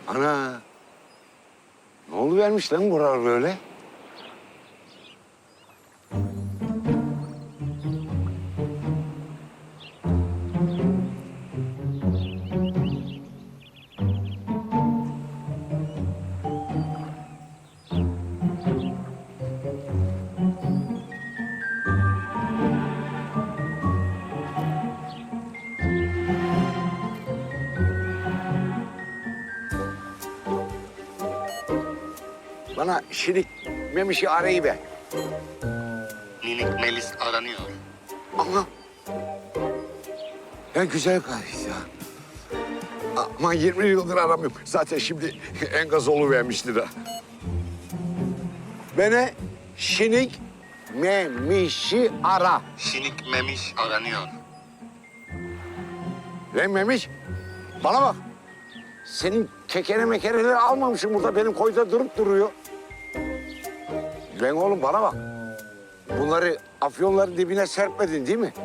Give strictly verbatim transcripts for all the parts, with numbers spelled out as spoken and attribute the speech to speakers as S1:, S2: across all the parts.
S1: Ana. Ne oluvermiş lan buralar böyle? Bana şirik memişi arayı ver.
S2: Minik Melis aranıyor.
S1: Ama ya güzel gayet ya. Ama yirmi yıldır aramıyorum. Zaten şimdi enkaz oluvermiştir ha. Bana şinik memişi ara.
S2: Şinik Memiş aranıyor.
S1: Lan Memiş, bana bak. Senin kekere mekereleri almamışım burada. Benim koyda durup duruyor. Lan oğlum bana bak. Bunları afyonların dibine serpmedin değil mi?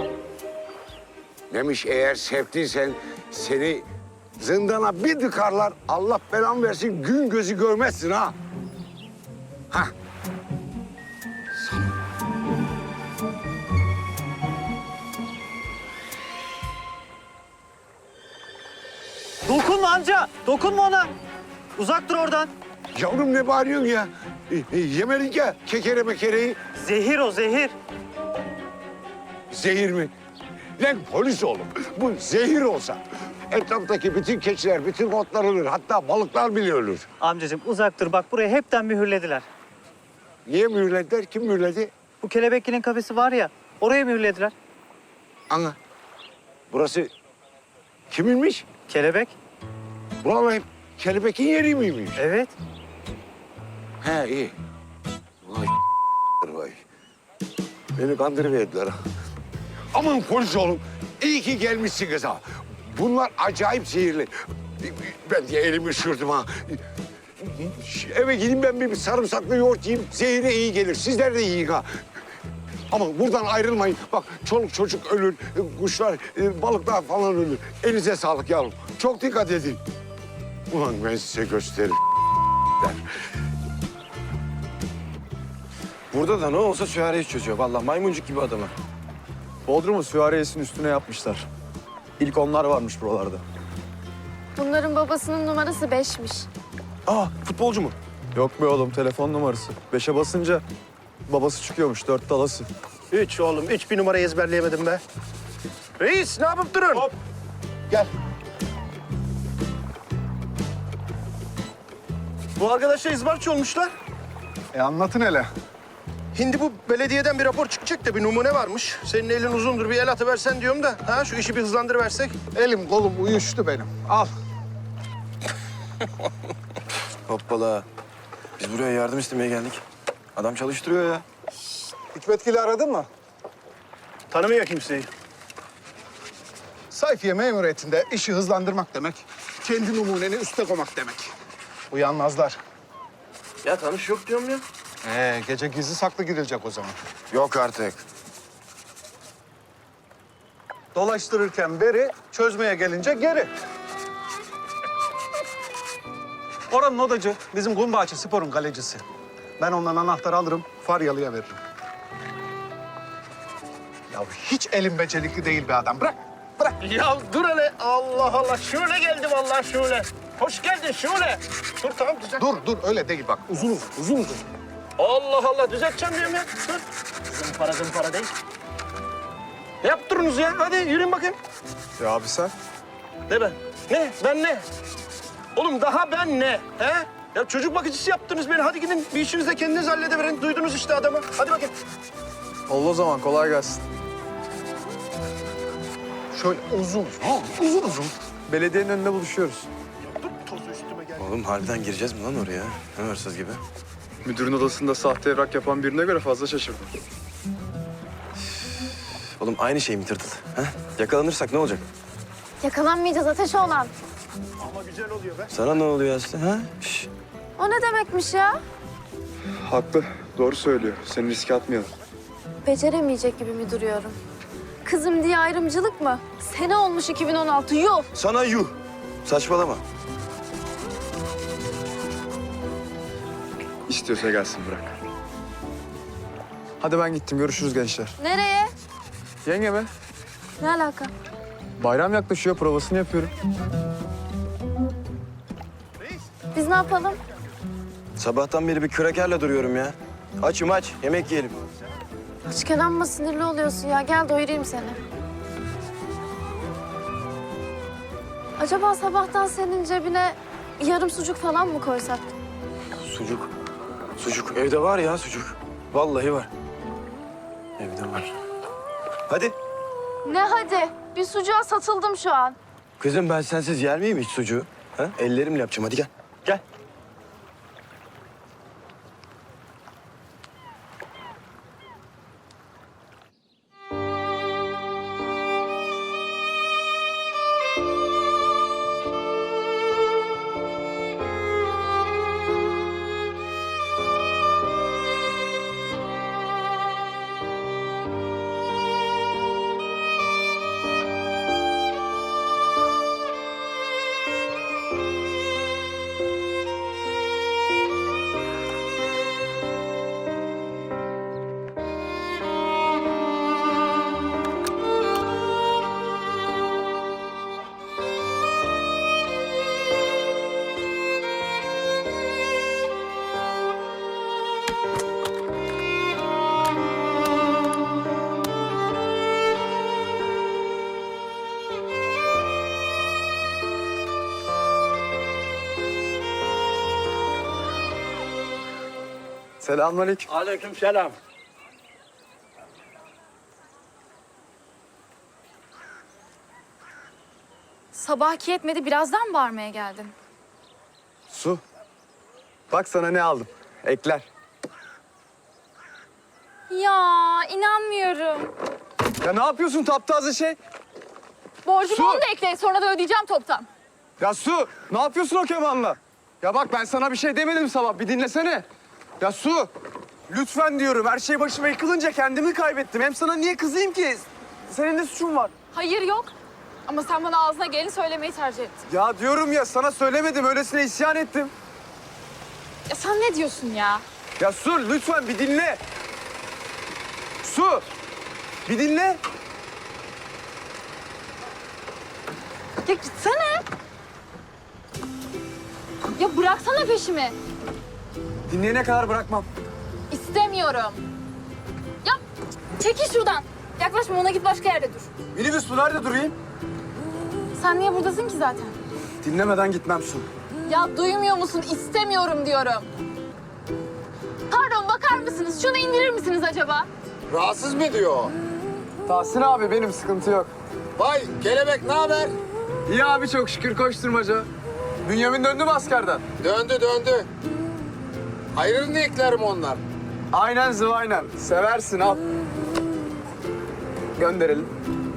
S1: Memiş eğer serptiysen seni zindana bir dıkarlar. Allah belanı versin gün gözü görmezsin ha. Hah.
S3: Dokunma amca, dokunma ona. Uzak dur oradan.
S1: Yavrum ne bağırıyorsun ya? E, e, yemedik ya kekere mekereyi.
S3: Zehir o, zehir.
S1: Zehir mi? Lan polis oğlum. Bu zehir olsa etraftaki bütün keçiler, bütün otlar ölür. Hatta balıklar bile ölür.
S3: Amcacığım uzak dur, bak burayı hepten mühürlediler.
S1: Niye mühürlediler? Kim mühürledi?
S3: Bu kelebeklerin kafesi var ya, oraya mühürlediler.
S1: Ana. Burası kiminmiş?
S3: Kelebek?
S1: Buralar hep kelebekin yeri miymiş?
S3: Evet.
S1: He iyi. Vay vay. Beni kandırıverdiler ha. Aman polis oğlum. İyi ki gelmişsiniz ha. Bunlar acayip zehirli. Ben diye elimi üşürdüm ha. Eve gideyim ben bir sarımsaklı yoğurt yiyeyim. Zehire iyi gelir. Sizler de yiyin ha. Ama buradan ayrılmayın. Bak çoluk çocuk ölür, kuşlar, balıklar falan ölür. Elinize sağlık yavrum. Çok dikkat edin. Ulan ben size gösteririm.
S4: Burada da ne olsa süvariye çözüyor. Vallahi maymuncuk gibi adamı.
S5: Bodrum'u süvariyesinin üstüne yapmışlar. İlk onlar varmış buralarda.
S6: Bunların babasının numarası beşmiş.
S4: Aa, futbolcu mu?
S5: Yok be oğlum, telefon numarası. Beşe basınca babası çıkıyormuş, dört dalası.
S7: Üç oğlum, üç bir numarayı ezberleyemedim be. Reis, ne yapıp durun? Hop. Gel. Bu arkadaşlar izbarçı olmuşlar.
S5: E anlatın hele.
S7: Şimdi bu belediyeden bir rapor çıkacak da bir numune varmış. Senin elin uzundur, bir el atıversen diyorum da. Ha, şu işi bir hızlandırıversek.
S5: Elim kolum uyuştu benim. Al.
S4: Hoppala. Biz buraya yardım istemeye geldik. Adam çalıştırıyor ya.
S5: Hikmetgil'i aradın mı?
S7: Tanımıyor kimseyi.
S8: Sayfiye memuriyetinde işi hızlandırmak demek, kendi numuneni üste koymak demek. Uyanmazlar.
S7: Ya tanış yok diyorum ya.
S8: Ee, gece gizli saklı gidilecek o zaman.
S4: Yok artık.
S8: Dolaştırırken beri, çözmeye gelince geri. Oranın odacı, bizim Gumbahçe Spor'un kalecisi. Ben ondan anahtarı alırım, Faryalı'ya veririm. Ya hiç elim becerikli değil bir adam. Bırak, bırak.
S7: Ya dur hele. Allah Allah. Şöyle geldi vallahi şöyle. Hoş geldin şöyle. Dur tamam düzelt.
S8: Dur, dur. Öyle değil bak. Uzun uzun, uzun uzun.
S7: Allah Allah düzelteceğim diyorum ya. Dur. Zımpara zımpara değil. Ne yaptırınız ya? Hadi yürüyün bakayım.
S5: Ya abi sen?
S7: Ne ben? Ne? Ben ne? Oğlum daha ben ne? He? Ya çocuk bakıcısı yaptınız beni. Hadi gidin bir işinizi de kendiniz halledeverin. Duydunuz işte adamı. Hadi bakayım.
S5: Oldu o zaman, kolay gelsin.
S8: Şöyle uzun uzun. Ha, uzun uzun.
S5: Belediyenin önünde buluşuyoruz.
S7: Dur tozu üstüme gel.
S4: Oğlum harbiden gireceğiz mi lan oraya? Ne hırsız gibi?
S5: Müdürün odasında sahte evrak yapan birine göre fazla şaşırdım.
S4: Oğlum aynı şey mi tırtıl? Ha? Yakalanırsak ne olacak?
S6: Yakalanmayacağız ateş olan.
S7: Ama güzel oluyor be.
S4: Sana ne oluyor Aslı? Ha? Şş.
S6: O ne demekmiş ya?
S5: Haklı, doğru söylüyor. Seni riske atmayalım.
S6: Beceremeyecek gibi mi duruyorum? Kızım diye ayrımcılık mı? Sene olmuş iki bin on altı, yuh!
S4: Sana yuh. Saçmalama.
S5: İstiyorsa gelsin bırak. Hadi ben gittim. Görüşürüz gençler.
S6: Nereye?
S5: Yenge be.
S6: Ne alaka?
S5: Bayram yaklaşıyor. Provasını yapıyorum.
S6: Biz ne yapalım?
S4: Sabahtan beri bir kürekerle duruyorum ya. Açım aç, yemek yiyelim.
S6: Açken amma sinirli oluyorsun ya. Gel doyurayım seni. Acaba sabahtan senin cebine yarım sucuk falan mı koysak?
S4: Sucuk. Sucuk. Evde var ya sucuk. Vallahi var. Evde var. Hadi.
S6: Ne hadi? Bir sucuğa satıldım şu an.
S4: Kızım ben sensiz yer miyim hiç sucuğu? Ha? Ellerimle yapacağım. Hadi gel. Gel.
S5: Selamünaleyküm.
S7: Aleykümselam.
S9: Sabahki yetmedi, birazdan bağırmaya geldin.
S5: Su. Bak sana ne aldım. Ekler.
S9: Ya inanmıyorum.
S5: Ya ne yapıyorsun taptaze şey?
S9: Borcumu
S5: Su!
S9: onu da ekle, sonra da ödeyeceğim toptan.
S5: Ya Su, ne yapıyorsun o kemanla? Ya bak ben sana bir şey demedim sabah, bir dinlesene. Ya Su, lütfen diyorum. Her şey başıma yıkılınca kendimi kaybettim. Hem sana niye kızayım ki? Senin de suçun var.
S9: Hayır yok. Ama sen bana ağzına geleni söylemeyi tercih ettin.
S5: Ya diyorum ya, sana söylemedim. Öylesine isyan ettim.
S9: Ya sen ne diyorsun ya?
S5: Ya Su, lütfen bir dinle. Su, bir dinle.
S9: Ya gitsene. Ya bıraksana peşimi.
S5: Dinleyene kadar bırakmam.
S9: İstemiyorum. Ya çekil şuradan. Yaklaşma, ona git başka yerde dur.
S5: Minibüs Su, nerede durayım?
S9: Sen niye buradasın ki zaten?
S5: Dinlemeden gitmem Su.
S9: Ya duymuyor musun? İstemiyorum diyorum. Pardon, bakar mısınız? Şunu indirir misiniz acaba?
S1: Rahatsız mı ediyor?
S5: Tahsin abi benim, sıkıntı yok.
S1: Vay kelebek ne haber?
S5: İyi abi, çok şükür, koşturmaca. Bünyamin döndü mü askerden?
S1: Döndü döndü. Hayırını eklerim onlar.
S5: Aynen zıvaynen. Seversin, al. Gönderelim.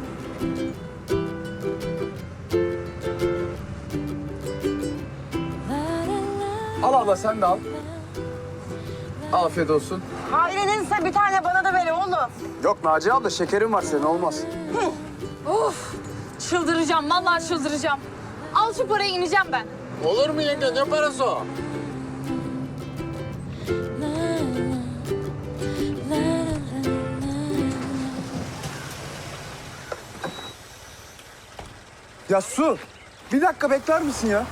S5: Al abla, sen de al. Afiyet olsun.
S10: Ailenizse bir tane bana da verin oğlum.
S5: Yok Naciye abla, şekerin var senin, olmaz.
S9: Of! Çıldıracağım, vallahi çıldıracağım. Al şu parayı, ineceğim ben.
S1: Olur mu yenge, ne parası o?
S5: Ya Su, bir dakika bekler misin ya?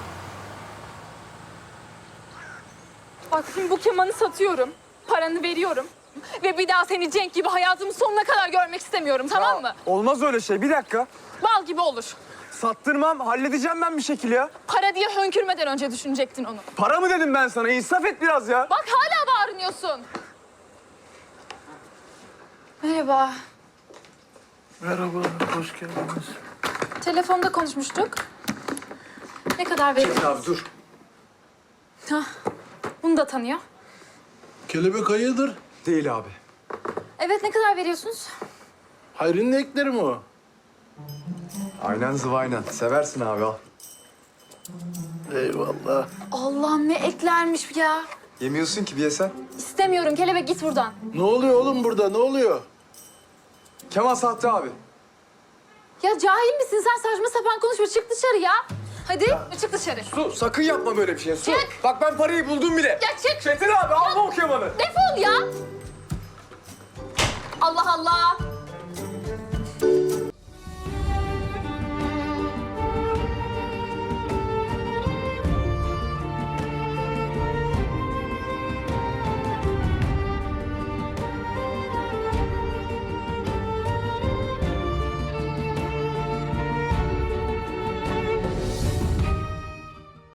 S9: Bak şimdi bu kemanı satıyorum, paranı veriyorum. Ve bir daha seni Cenk gibi hayatımın sonuna kadar görmek istemiyorum, tamam
S5: Ya,
S9: mı?
S5: olmaz öyle şey, bir dakika.
S9: Bal gibi olur.
S5: Sattırmam, halledeceğim ben bir şekil ya.
S9: Para diye hönkürmeden önce düşünecektin onu.
S5: Para mı dedim ben sana? İnsaf et biraz ya.
S9: Bak hala bağırıyorsun. Merhaba.
S7: Merhaba, hoş geldiniz.
S9: Telefonda konuşmuştuk. Ne kadar veriyorsun?
S5: Abi dur.
S9: Hah, bunu da tanıyor.
S7: Kelebek hayırdır?
S5: Değil abi.
S9: Evet, ne kadar veriyorsunuz?
S7: Hayrının ekleri mi o?
S5: Aynen zıvaynen. Seversin abi, al.
S7: Eyvallah.
S9: Allah'ım ne eklermiş ya.
S5: Yemiyorsun ki, bir yesen.
S9: İstemiyorum, kelebek git buradan.
S7: Ne oluyor oğlum burada, ne oluyor?
S5: Kemal sahte abi.
S9: Ya cahil misin sen? Saçma sapan konuşma, çık dışarı ya. Hadi çık dışarı.
S5: Su sakın yapma böyle bir şey. Su.
S9: Çık.
S5: Bak ben parayı buldum bile.
S9: Ya çık.
S5: Çetin abi alma o kemanı.
S9: Defol ya. Allah Allah.